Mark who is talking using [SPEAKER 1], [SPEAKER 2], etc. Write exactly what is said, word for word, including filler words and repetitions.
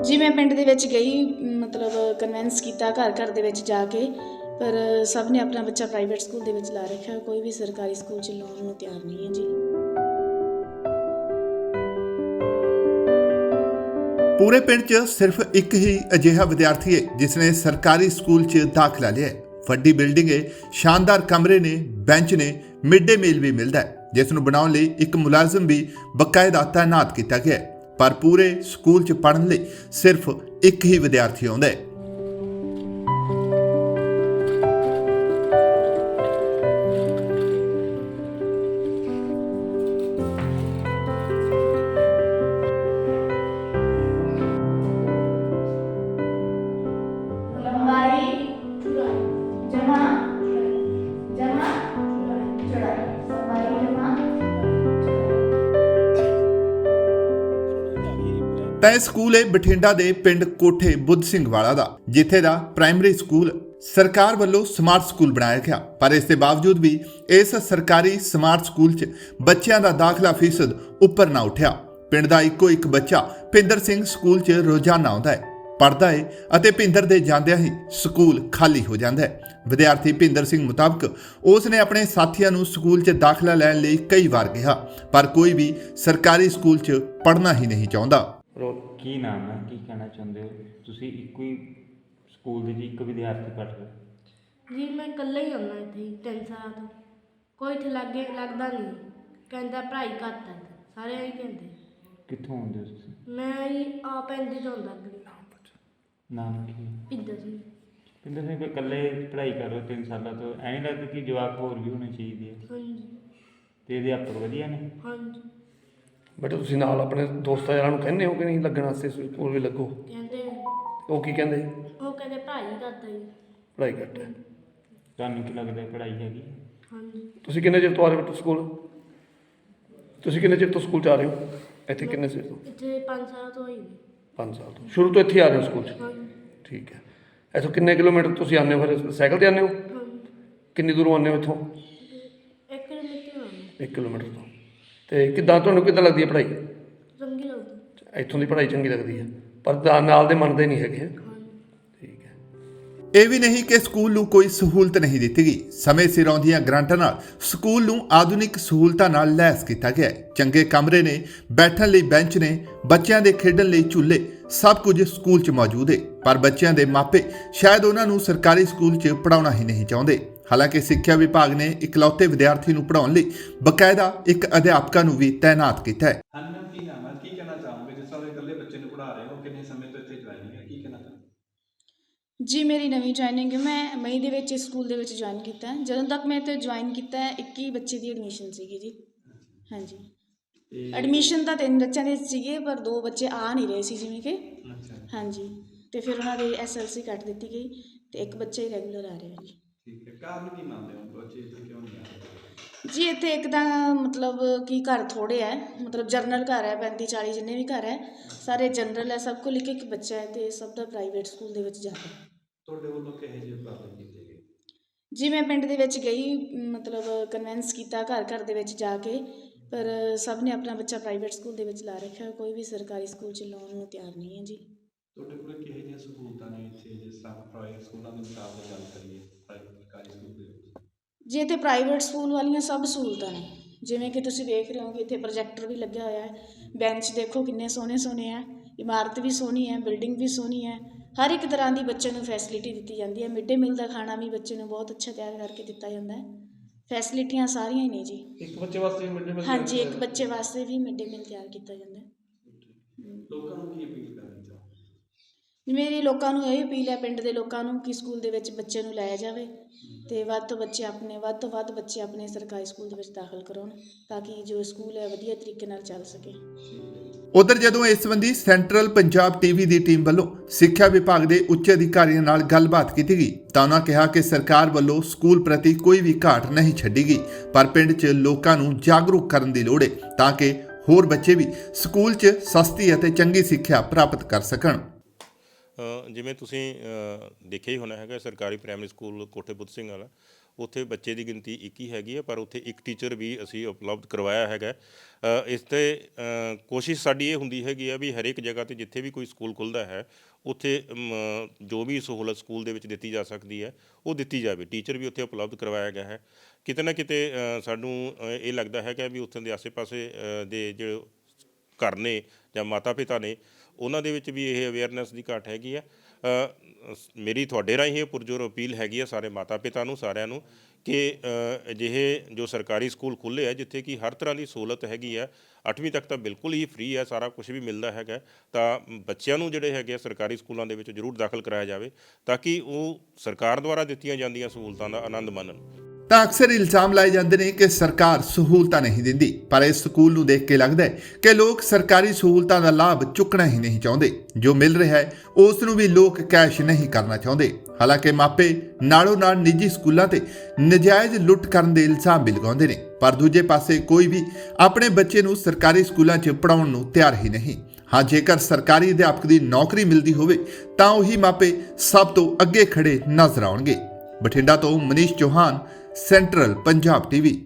[SPEAKER 1] जी मैं पिंड दे विच गई, मतलब कन्विंस किया घर घर दे विच जाके, पर सब ने अपना बच्चा प्राइवेट स्कूल दे विच ला रखा है। कोई भी सरकारी स्कूल च लाउण नूं तैयार नहीं है जी।
[SPEAKER 2] पूरे पिंड च सिर्फ एक ही अजिहा विद्यार्थी है जिसने सरकारी स्कूल च दाखला लिया है। वड्डी बिल्डिंग है, शानदार कमरे ने, बेंच ने, मिड डे मील भी मिलता है जिस नूं बनाउण लई एक मुलाजम भी बकायदा तैनात किया गया है। पर पूरे स्कूल च पढ़न लई सिर्फ एक ही विद्यार्थी आउंदा है। ਤਾਂ ਇਹ ਸਕੂਲ ਹੈ ਬਠਿੰਡਾ ਦੇ ਪਿੰਡ ਕੋਠੇ ਬੁੱਧ ਸਿੰਘ ਵਾਲਾ ਦਾ, ਜਿੱਥੇ ਦਾ ਪ੍ਰਾਇਮਰੀ ਸਕੂਲ ਸਰਕਾਰ ਵੱਲੋਂ ਸਮਾਰਟ ਸਕੂਲ ਬਣਾਇਆ ਗਿਆ। ਪਰ ਇਸ ਦੇ ਬਾਵਜੂਦ ਵੀ ਇਸ ਸਰਕਾਰੀ ਸਮਾਰਟ ਸਕੂਲ 'ਚ ਬੱਚਿਆਂ ਦਾ ਦਾਖਲਾ ਫੀਸਦ ਉੱਪਰ ਨਾ ਉੱਠਿਆ। ਪਿੰਡ ਦਾ ਇੱਕੋ ਇੱਕ ਬੱਚਾ ਭਿੰਦਰ ਸਿੰਘ ਸਕੂਲ 'ਚ ਰੋਜ਼ਾਨਾ ਆਉਂਦਾ ਹੈ, ਪੜ੍ਹਦਾ ਹੈ ਅਤੇ ਭਿੰਦਰ ਦੇ ਜਾਂਦਿਆਂ ਹੀ ਸਕੂਲ ਖਾਲੀ ਹੋ ਜਾਂਦਾ ਹੈ। ਵਿਦਿਆਰਥੀ ਭਿੰਦਰ ਸਿੰਘ ਮੁਤਾਬਕ ਉਸ ਨੇ ਆਪਣੇ ਸਾਥੀਆਂ ਨੂੰ ਸਕੂਲ 'ਚ ਦਾਖਲਾ ਲੈਣ ਲਈ ਕਈ ਵਾਰ ਕਿਹਾ, ਪਰ ਕੋਈ ਵੀ ਸਰਕਾਰੀ ਸਕੂਲ 'ਚ ਪੜ੍ਹਨਾ ਹੀ ਨਹੀਂ ਚਾਹੁੰਦਾ।
[SPEAKER 3] ਕੀ ਨਾਮ ਹੈ, ਕੀ ਕਹਿਣਾ ਚਾਹੁੰਦੇ ਹੋ ਤੁਸੀਂ? ਇੱਕੋ ਹੀ ਸਕੂਲ ਦੇ ਜੀ ਇੱਕ ਵਿਦਿਆਰਥੀ ਪੜ੍ਹ ਰਹੇ
[SPEAKER 4] ਜੀ? ਮੈਂ ਇਕੱਲਾ ਹੀ ਆਉਂਦਾ ਇੱਥੇ ਹੀ ਤਿੰਨ ਸਾਲਾਂ ਤੋਂ। ਕੋਈ ਇੱਥੇ ਲਾਗੇ ਲੱਗਦਾ ਨਹੀਂ, ਕਹਿੰਦਾ ਪੜ੍ਹਾਈ ਘੱਟ ਹੈ, ਸਾਰੇ ਇਹੀ ਕਹਿੰਦੇ।
[SPEAKER 3] ਕਿੱਥੋਂ ਆਉਂਦੇ ਹੋ ਤੁਸੀਂ?
[SPEAKER 4] ਮੈਂ ਜੀ ਆਪ ਇੰਦੀ ਤੋਂ ਆਉਂਦਾ ਅੱਗੇ।
[SPEAKER 3] ਨਾਮ ਕੀ ਹੈ?
[SPEAKER 4] ਪਿੰਦਰ ਸਿੰਘ।
[SPEAKER 3] ਪਿੰਦਰ ਸਿੰਘ, ਇਕੱਲੇ ਪੜ੍ਹਾਈ ਕਰ ਰਹੇ ਤਿੰਨ ਸਾਲਾਂ ਤੋਂ, ਐਂ ਨਹੀਂ ਲੱਗਦਾ ਕਿ ਜਵਾਕ ਹੋਰ ਵੀ ਹੋਣੇ ਚਾਹੀਦੇ ਆ?
[SPEAKER 4] ਹਾਂਜੀ।
[SPEAKER 3] ਤੇ ਅਧਿਆਪਕ ਵਧੀਆ ਨੇ?
[SPEAKER 4] ਹਾਂਜੀ।
[SPEAKER 5] ਬੇਟਾ ਤੁਸੀਂ ਨਾਲ ਆਪਣੇ ਦੋਸਤਾਂ ਯਾਰਾਂ ਨੂੰ ਕਹਿੰਦੇ ਹੋ ਕਿ ਨਹੀਂ ਲੱਗਣ ਵਾਸਤੇ ਸਕੂਲ ਵੀ ਲੱਗੋ?
[SPEAKER 4] ਕਹਿੰਦੇ
[SPEAKER 5] ਉਹ ਕੀ ਕਹਿੰਦੇ?
[SPEAKER 4] ਉਹ ਕਹਿੰਦੇ ਪੜ੍ਹਾਈ ਘੱਟ ਹੈ ਜੀ।
[SPEAKER 5] ਪੜ੍ਹਾਈ ਘੱਟ ਹੈ।
[SPEAKER 3] ਤੁਹਾਨੂੰ ਕੀ ਲੱਗਦਾ ਪੜ੍ਹਾਈ ਹੈਗੀ?
[SPEAKER 4] ਹਾਂਜੀ।
[SPEAKER 5] ਤੁਸੀਂ ਕਿੰਨੇ ਚਿਰ ਤੋਂ ਆ ਰਹੇ ਹੋ ਸਕੂਲ? ਤੁਸੀਂ ਕਿੰਨੇ ਚਿਰ ਤੋਂ ਸਕੂਲ 'ਚ ਆ ਰਹੇ ਹੋ? ਇੱਥੇ ਕਿੰਨੇ ਚਿਰ ਤੋਂ?
[SPEAKER 4] ਇੱਥੇ ਪੰਜ ਸਾਲ ਤੋਂ ਹੋਈ ਜੀ।
[SPEAKER 5] ਪੰਜ ਸਾਲ ਤੋਂ। ਸ਼ੁਰੂ ਤੋਂ ਇੱਥੇ ਆ ਰਹੇ ਹੋ ਸਕੂਲ 'ਚ?
[SPEAKER 4] ਹਾਂਜੀ।
[SPEAKER 5] ਠੀਕ ਹੈ। ਇੱਥੋਂ ਕਿੰਨੇ ਕਿਲੋਮੀਟਰ ਤੁਸੀਂ ਆਉਂਦੇ ਹੋ? ਫਿਰ ਸਾਈਕਲ 'ਤੇ ਆਉਂਦੇ ਹੋ?
[SPEAKER 4] ਹਾਂਜੀ।
[SPEAKER 5] ਕਿੰਨੀ ਦੂਰੋਂ ਆਉਂਦੇ ਹੋ ਇੱਥੋਂ?
[SPEAKER 4] ਇੱਕ ਕਿਲੋਮੀਟਰ ਆਉਂਦਾ।
[SPEAKER 5] ਇੱਕ ਕਿਲੋਮੀਟਰ ਤੋਂ। ਤੇ ਕਿੱਦਾਂ ਤੁਹਾਨੂੰ ਕਿੱਦਾਂ ਲੱਗਦੀ ਹੈ ਪੜ੍ਹਾਈ?
[SPEAKER 4] ਚੰਗੀ ਲੱਗਦੀ।
[SPEAKER 5] ਇੱਥੋਂ ਦੀ ਪੜ੍ਹਾਈ ਚੰਗੀ ਲੱਗਦੀ ਹੈ, ਪਰ ਨਾਲ ਦੇ ਮੰਨਦੇ ਨਹੀਂ ਹੈਗੇ। ਠੀਕ ਹੈ।
[SPEAKER 2] ਇਹ ਵੀ ਨਹੀਂ ਕਿ ਸਕੂਲ ਨੂੰ ਕੋਈ ਸਹੂਲਤ ਨਹੀਂ ਦਿੱਤੀ ਗਈ। ਸਮੇਂ ਸਿਰ ਆਉਂਦੀਆਂ ਗ੍ਰਾਂਟਾਂ ਨਾਲ ਸਕੂਲ ਨੂੰ ਆਧੁਨਿਕ ਸਹੂਲਤਾਂ ਨਾਲ ਲੈਸ ਕੀਤਾ ਗਿਆ ਹੈ। ਚੰਗੇ ਕਮਰੇ ਨੇ, ਬੈਠਣ ਲਈ ਬੈਂਚ ਨੇ, ਬੱਚਿਆਂ ਦੇ ਖੇਡਣ ਲਈ ਝੂਲੇ, ਸਭ ਕੁਝ ਸਕੂਲ 'ਚ ਮੌਜੂਦ ਹੈ। ਪਰ ਬੱਚਿਆਂ ਦੇ ਮਾਪੇ ਸ਼ਾਇਦ ਉਹਨਾਂ ਨੂੰ ਸਰਕਾਰੀ ਸਕੂਲ 'ਚ ਪੜ੍ਹਾਉਣਾ ਹੀ ਨਹੀਂ ਚਾਹੁੰਦੇ। ਹਾਲਾਂਕਿ ਸਿੱਖਿਆ ਵਿਭਾਗ ਨੇ ਇਕਲੌਤੇ ਵਿਦਿਆਰਥੀ ਨੂੰ ਪੜ੍ਹਾਉਣ ਲਈ ਬਕਾਇਦਾ ਇੱਕ ਅਧਿਆਪਕਾ ਨੂੰ ਵੀ ਤੈਨਾਤ ਕੀਤਾ ਹੈ।
[SPEAKER 6] ਹਾਂਜੀ ਮੈਮ, ਕੀ ਨਾਮ ਹੈ, ਕੀ ਕਹਿਣਾ ਚਾਹੋਗੇ? ਜਿਸ ਤਰ੍ਹਾਂ ਇਕੱਲੇ ਬੱਚੇ ਨੂੰ ਪੜ੍ਹਾ ਰਹੇ ਹੋ, ਕਿੰਨੇ ਸਮੇਂ ਤੋਂ ਇੱਥੇ ਜੁਆਇਨਿੰਗ ਹੈ, ਕੀ ਕਹਿਣਾ ਚਾਹੋਗੇ?
[SPEAKER 1] जी मेरी नवीं जॉइनिंग है। मैं मई ਦੇ ਵਿੱਚ ਸਕੂਲ ਦੇ ਵਿੱਚ ਜੁਆਇਨ ਕੀਤਾ। ਜਦੋਂ ਤੱਕ ਮੈਂ ਇੱਥੇ ਜੁਆਇਨ ਕੀਤਾ ਇੱਕੀ ਬੱਚੇ ਦੀ ਐਡਮਿਸ਼ਨ ਸੀਗੀ ਜੀ। ਹਾਂਜੀ। ਐਡਮਿਸ਼ਨ ਤਾਂ ਤਿੰਨ ਬੱਚਿਆਂ ਦੇ ਸੀਗੇ, ਪਰ ਦੋ ਬੱਚੇ ਆ ਨਹੀਂ ਰਹੇ ਸੀ ਜਿਵੇਂ ਕਿ। ਹਾਂਜੀ। ਤੇ ਫਿਰ ਉਹਨਾਂ ਦੇ ਐਸ ਐਲ ਸੀ ਕੱਟ ਦਿੱਤੀ ਗਈ ਤੇ ਇੱਕ ਬੱਚਾ ਹੀ ਰੈਗੂਲਰ ਆ ਰਿਹਾ ਜੀ।
[SPEAKER 6] ਠੀਕ ਹੈ। ਕਾਰਨ ਕੀ ਮੰਨਦੇ ਹੋ ਬੱਚੇ ਇੱਥੇ ਕਿਉਂ ਨਹੀਂ ਆ ਰਹੇ?
[SPEAKER 1] ਜੀ ਇੱਥੇ ਇੱਕ ਤਾਂ ਮਤਲਬ ਕਿ ਘਰ ਥੋੜ੍ਹੇ ਹੈ, ਮਤਲਬ ਜਨਰਲ ਘਰ ਹੈ, ਪੈਂਤੀ ਚਾਲੀ ਜਿੰਨੇ ਵੀ ਘਰ ਹੈ ਸਾਰੇ ਜਨਰਲ ਹੈ, ਸਭ ਕੋਲ ਇੱਕ ਇੱਕ ਬੱਚਾ ਹੈ ਤੇ ਸਭ ਦਾ ਪ੍ਰਾਈਵੇਟ ਸਕੂਲ ਦੇ ਵਿੱਚ ਜਾਂਦਾ।
[SPEAKER 6] ਤੁਹਾਡੇ ਵੱਲੋਂ ਕਿਹੋ ਜਿਹੇ ਉਪਰਾਲੇ ਕੀਤੇ ਗਏ?
[SPEAKER 1] ਜੀ ਮੈਂ ਪਿੰਡ ਦੇ ਵਿੱਚ ਗਈ, ਮਤਲਬ ਕਨਵਿੰਸ ਕੀਤਾ ਘਰ ਘਰ ਦੇ ਵਿੱਚ ਜਾ ਕੇ, ਪਰ ਸਭ ਨੇ ਆਪਣਾ ਬੱਚਾ ਪ੍ਰਾਈਵੇਟ ਸਕੂਲ ਦੇ ਵਿੱਚ ਲਾ ਰੱਖਿਆ। ਕੋਈ ਵੀ ਸਰਕਾਰੀ ਸਕੂਲ 'ਚ ਲਾਉਣ ਨੂੰ ਤਿਆਰ ਨਹੀਂ ਹੈ ਜੀ।
[SPEAKER 6] ਤੁਹਾਡੇ ਕੋਲ ਕਿਹੋ ਜਿਹੀਆਂ ਸਹੂਲਤਾਂ ਨੇ ਇੱਥੇ, ਜਿਸ ਤਰ੍ਹਾਂ ਪ੍ਰਾਈਵੇਟ ਸਕੂਲਾਂ ਦੇ ਮੁਕਾਬਲੇ ਗੱਲ ਕਰੀਏ ਪ੍ਰਾਈਵੇਟ ਸਰਕਾਰੀ ਸਕੂਲ ਦੇ ਵਿੱਚ?
[SPEAKER 1] ਜੀ ਇੱਥੇ ਪ੍ਰਾਈਵੇਟ ਸਕੂਲ ਵਾਲੀਆਂ ਸਭ ਸਹੂਲਤਾਂ ਨੇ, ਜਿਵੇਂ ਕਿ ਤੁਸੀਂ ਵੇਖ ਰਹੇ ਹੋ ਕਿ ਇੱਥੇ ਪ੍ਰੋਜੈਕਟਰ ਵੀ ਲੱਗਿਆ ਹੋਇਆ ਹੈ, ਬੈਂਚ ਦੇਖੋ ਕਿੰਨੇ ਸੋਹਣੇ ਸੋਹਣੇ ਹੈ, ਇਮਾਰਤ ਵੀ ਸੋਹਣੀ ਹੈ, ਬਿਲਡਿੰਗ ਵੀ ਸੋਹਣੀ ਹੈ, ਹਰ ਇੱਕ ਤਰ੍ਹਾਂ ਦੀ ਬੱਚੇ ਨੂੰ ਫੈਸਿਲਿਟੀ ਦਿੱਤੀ ਜਾਂਦੀ ਹੈ। ਮਿਡ ਡੇ ਮੀਲ ਦਾ ਖਾਣਾ ਵੀ ਬੱਚੇ ਨੂੰ ਬਹੁਤ ਅੱਛਾ ਤਿਆਰ ਕਰਕੇ ਦਿੱਤਾ ਜਾਂਦਾ ਹੈ। ਫੈਸਿਲਿਟੀਆਂ ਸਾਰੀਆਂ ਹੀ ਨੇ ਜੀ।
[SPEAKER 6] ਇੱਕ ਬੱਚੇ ਵਾਸਤੇ ਮਿਡ ਡੇ ਮੀਲ?
[SPEAKER 1] ਹਾਂਜੀ, ਇੱਕ ਬੱਚੇ ਵਾਸਤੇ ਵੀ ਮਿਡ ਡੇ ਮੀਲ ਤਿਆਰ ਕੀਤਾ ਜਾਂਦਾ ਹੈ।
[SPEAKER 6] ਲੋਕਾਂ ਨੂੰ ਕੀ ਅਪੀਲ ਕਰਨੀ ਚਾਹੋ?
[SPEAKER 1] ਮੇਰੀ ਲੋਕਾਂ ਨੂੰ ਇਹ ਅਪੀਲ ਹੈ, ਪਿੰਡ ਦੇ ਲੋਕਾਂ ਨੂੰ, ਕਿ ਸਕੂਲ ਦੇ ਵਿੱਚ ਬੱਚੇ ਨੂੰ ਲਾਇਆ ਜਾਵੇ ਤੇ ਵੱਧ ਤੋਂ ਬੱਚੇ ਆਪਣੇ ਵੱਧ ਤੋਂ ਵੱਧ ਬੱਚੇ ਆਪਣੇ ਸਰਕਾਰੀ ਸਕੂਲ ਦੇ ਵਿੱਚ ਦਾਖਲ ਕਰਾਉਣ, ਤਾਂ ਕਿ ਜੋ ਸਕੂਲ ਹੈ ਵਧੀਆ ਤਰੀਕੇ ਨਾਲ ਚੱਲ ਸਕੇ।
[SPEAKER 2] ਉਧਰ ਜਦੋਂ ਇਸ ਸੰਬੰਧੀ ਸੈਂਟਰਲ ਪੰਜਾਬ ਟੀਵੀ ਦੀ ਟੀਮ ਵੱਲੋਂ ਸਿੱਖਿਆ ਵਿਭਾਗ ਦੇ ਉੱਚ ਅਧਿਕਾਰੀਆਂ ਨਾਲ ਗੱਲਬਾਤ ਕੀਤੀ ਗਈ ਤਾਂ ਉਹਨਾਂ ਕਿਹਾ ਕਿ ਸਰਕਾਰ ਵੱਲੋਂ ਸਕੂਲ ਪ੍ਰਤੀ ਕੋਈ ਵੀ ਘਾਟ ਨਹੀਂ ਛੱਡੀ ਗਈ, ਪਰ ਪਿੰਡ 'ਚ ਲੋਕਾਂ ਨੂੰ ਜਾਗਰੂਕ ਕਰਨ ਦੀ ਲੋੜ ਹੈ ਤਾਂ ਕਿ ਹੋਰ ਬੱਚੇ ਵੀ ਸਕੂਲ 'ਚ ਸਸਤੀ ਅਤੇ ਚੰਗੀ ਸਿੱਖਿਆ ਪ੍ਰਾਪਤ ਕਰ ਸਕਣ।
[SPEAKER 7] ਜਿਵੇਂ ਤੁਸੀਂ ਦੇਖਿਆ ਹੀ ਹੋਣਾ ਹੈਗਾ, ਸਰਕਾਰੀ ਪ੍ਰਾਇਮਰੀ ਸਕੂਲ ਕੋਠੇ ਬੁੱਧ ਸਿੰਘ ਵਾਲਾ, ਉੱਥੇ ਬੱਚੇ ਦੀ ਗਿਣਤੀ ਇੱਕ ਹੀ ਹੈਗੀ ਹੈ, ਪਰ ਉੱਥੇ ਇੱਕ ਟੀਚਰ ਵੀ ਅਸੀਂ ਉਪਲਬਧ ਕਰਵਾਇਆ ਹੈਗਾ। ਅ, ਇਸ 'ਤੇ ਅ, ਕੋਸ਼ਿਸ਼ ਸਾਡੀ ਇਹ ਹੁੰਦੀ ਹੈਗੀ ਆ ਵੀ ਹਰੇਕ ਜਗ੍ਹਾ 'ਤੇ ਜਿੱਥੇ ਵੀ ਕੋਈ ਸਕੂਲ ਖੁੱਲ੍ਹਦਾ ਹੈ ਉੱਥੇ ਮ, ਜੋ ਵੀ ਸਹੂਲਤ ਸਕੂਲ ਦੇ ਵਿੱਚ ਦਿੱਤੀ ਜਾ ਸਕਦੀ ਹੈ ਉਹ ਦਿੱਤੀ ਜਾਵੇ। ਟੀਚਰ ਵੀ ਉੱਥੇ ਉਪਲਬਧ ਕਰਵਾਇਆ ਗਿਆ ਹੈ। ਕਿਤੇ ਨਾ ਕਿਤੇ ਅ, ਸਾਨੂੰ ਅ, ਇਹ ਲੱਗਦਾ ਹੈਗਾ ਵੀ ਉੱਥੋਂ ਦੇ ਆਸੇ-ਪਾਸੇ ਅ, ਦੇ ਜੋ ਘਰ ਨੇ ਜਾਂ ਮਾਤਾ ਪਿਤਾ ਨੇ ਉਹਨਾਂ ਦੇ ਵਿੱਚ ਵੀ ਇਹ ਅਵੇਅਰਨੈਸ ਦੀ ਘਾਟ ਹੈਗੀ ਆ। ਅ, ਮੇਰੀ ਤੁਹਾਡੇ ਰਾਹੀਂ ਇਹ ਪੁਰਜੋਰ ਅਪੀਲ ਹੈਗੀ ਆ ਸਾਰੇ ਮਾਤਾ ਪਿਤਾ ਨੂੰ, ਸਾਰਿਆਂ ਨੂੰ, ਕਿ ਅ, ਅਜਿਹੇ ਜੋ ਸਰਕਾਰੀ ਸਕੂਲ ਖੁੱਲ੍ਹੇ ਆ ਜਿੱਥੇ ਕਿ ਹਰ ਤਰ੍ਹਾਂ ਦੀ ਸਹੂਲਤ ਹੈਗੀ ਆ, ਅੱਠਵੀਂ ਤੱਕ ਤਾਂ ਬਿਲਕੁਲ ਹੀ ਫ੍ਰੀ ਹੈ, ਸਾਰਾ ਕੁਝ ਵੀ ਮਿਲਦਾ ਹੈਗਾ, ਤਾਂ ਬੱਚਿਆਂ ਨੂੰ ਜਿਹੜੇ ਹੈਗੇ ਆ ਸਰਕਾਰੀ ਸਕੂਲਾਂ ਦੇ ਵਿੱਚ ਜ਼ਰੂਰ ਦਾਖਲ ਕਰਾਇਆ ਜਾਵੇ ਤਾਂ ਕਿ ਉਹ ਸਰਕਾਰ ਦੁਆਰਾ ਦਿੱਤੀਆਂ ਜਾਂਦੀਆਂ ਸਹੂਲਤਾਂ ਦਾ ਆਨੰਦ ਮਾਣਨ।
[SPEAKER 2] ਤਾਂ ਅਕਸਰ ਇਲਜ਼ਾਮ ਲਾਏ ਜਾਂਦੇ ਨੇ ਕਿ ਸਰਕਾਰ ਸਹੂਲਤਾਂ ਨਹੀਂ ਦਿੰਦੀ, ਪਰ ਇਸ ਸਕੂਲ ਨੂੰ ਦੇਖ ਕੇ ਲੱਗਦਾ ਹੈ ਕਿ ਲੋਕ ਸਰਕਾਰੀ ਸਹੂਲਤਾਂ ਦਾ ਲਾਭ ਚੁੱਕਣਾ ਹੀ ਨਹੀਂ ਚਾਹੁੰਦੇ। ਜੋ ਮਿਲ ਰਿਹਾ ਹੈ ਉਸ ਨੂੰ ਵੀ ਲੋਕ ਕੈਸ਼ ਨਹੀਂ ਕਰਨਾ ਚਾਹੁੰਦੇ। ਹਾਲਾਂਕਿ ਮਾਪੇ ਨਾਲੋਂ ਨਾਲ ਨਿੱਜੀ ਸਕੂਲਾਂ ਤੇ ਨਜਾਇਜ਼ ਲੁੱਟ ਕਰਨ ਦੇ ਇਲਜ਼ਾਮ ਵੀ ਲਗਾਉਂਦੇ ਨੇ, ਪਰ ਦੂਜੇ ਪਾਸੇ ਕੋਈ ਵੀ ਆਪਣੇ ਬੱਚੇ ਨੂੰ ਸਰਕਾਰੀ ਸਕੂਲਾਂ 'ਚ ਪੜ੍ਹਾਉਣ ਨੂੰ ਤਿਆਰ ਹੀ ਨਹੀਂ। ਹਾਂ, ਜੇਕਰ ਸਰਕਾਰੀ ਅਧਿਆਪਕ ਦੀ ਨੌਕਰੀ ਮਿਲਦੀ ਹੋਵੇ ਤਾਂ ਉਹੀ ਮਾਪੇ ਸਭ ਤੋਂ ਅੱਗੇ ਖੜੇ ਨਜ਼ਰ ਆਉਣਗੇ। ਬਠਿੰਡਾ ਤੋਂ ਮਨੀਸ਼ ਚੌਹਾਨ, ਸੈਂਟਰਲ ਪੰਜਾਬ ਟੀਵੀ।